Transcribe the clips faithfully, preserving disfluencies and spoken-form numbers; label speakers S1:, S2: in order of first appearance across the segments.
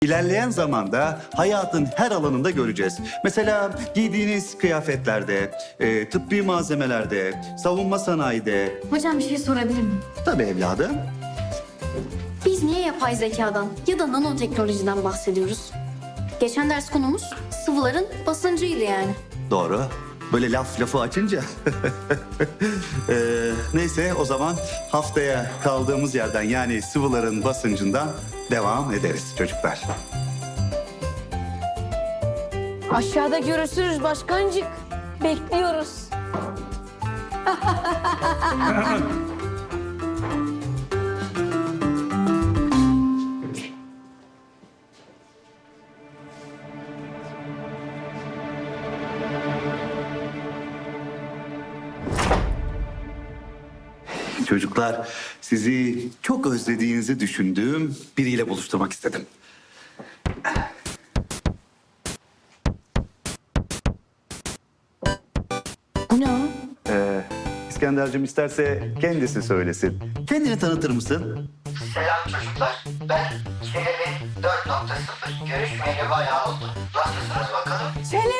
S1: İlerleyen zamanda hayatın her alanında göreceğiz. Mesela giydiğiniz kıyafetlerde, e, tıbbi malzemelerde, savunma sanayide.
S2: Hocam bir şey sorabilir miyim?
S1: Tabii evladım.
S2: Biz niye yapay zekadan ya da nanoteknolojiden bahsediyoruz? Geçen ders konumuz sıvıların basıncıydı yani.
S1: Doğru. Böyle laf lafı açınca. Ee, neyse o zaman haftaya kaldığımız yerden yani sıvıların basıncından devam ederiz çocuklar.
S3: Aşağıda görüşürüz başkancık. Bekliyoruz.
S1: Çocuklar sizi çok özlediğinizi düşündüğüm biriyle buluşturmak istedim.
S3: Bu ne o?
S1: Ee, İskender'cim isterse kendisi söylesin. Kendini tanıtır mısın?
S4: Selam çocuklar. Ben Çelebi dört nokta sıfır. Görüşmeyeli bayağı oldu. Nasılsınız bakalım?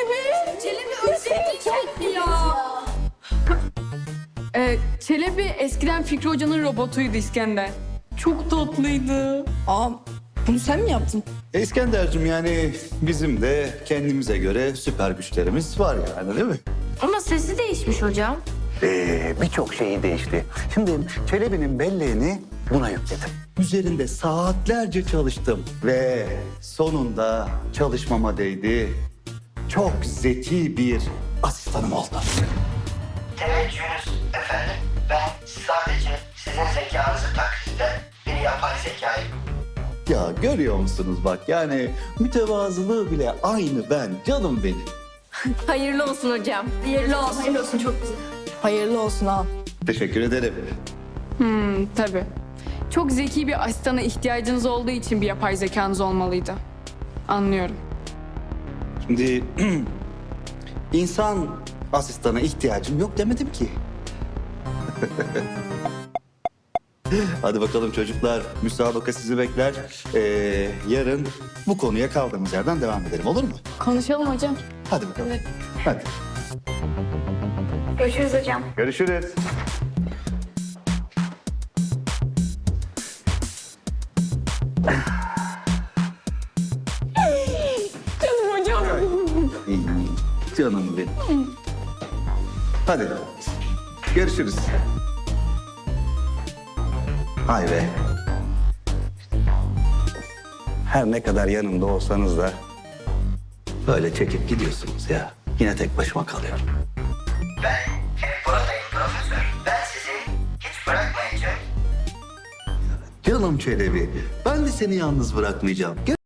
S5: Ee, Çelebi eskiden Fikri Hoca'nın robotuydu İskender. Çok tatlıydı.
S3: Aa, bunu sen mi yaptın?
S1: E, İskender'cim yani bizim de kendimize göre süper güçlerimiz var yani değil mi?
S2: Ama sesi değişmiş hocam.
S1: Ee, birçok şeyi değişti. Şimdi Çelebi'nin belleğini buna yükledim. Üzerinde saatlerce çalıştım ve sonunda çalışmama değdi. Çok zeki bir asistanım oldu.
S4: Teveccühünüz efendim. Ben sadece sizin zekanızı taklit eden bir yapay zekayım.
S1: Ya görüyor musunuz bak yani mütevazılığı bile aynı ben canım benim.
S2: Hayırlı olsun hocam. Hayırlı olsun. Hayırlı olsun çok güzel.
S3: Hayırlı olsun ha.
S1: Teşekkür ederim.
S5: Hmm, tabii. Çok zeki bir asistana ihtiyacınız olduğu için bir yapay zekanız olmalıydı. Anlıyorum.
S1: Şimdi insan asistana ihtiyacım yok demedim ki. Hadi bakalım çocuklar, müsabaka sizi bekler. Ee, yarın bu konuya kaldığımız yerden devam edelim, olur mu?
S5: Konuşalım hocam.
S1: Hadi bakalım. Hadi.
S2: Görüşürüz hocam.
S1: Görüşürüz.
S5: Canım hocam.
S1: İyi, canım benim. Hadi. Görüşürüz. Hay be. Her ne kadar yanımda olsanız da böyle çekip gidiyorsunuz ya. Yine tek başıma kalıyorum.
S4: Ben hep buradayım profesör. Ben sizi hiç bırakmayacağım.
S1: Canım Çelebi, ben de seni yalnız bırakmayacağım.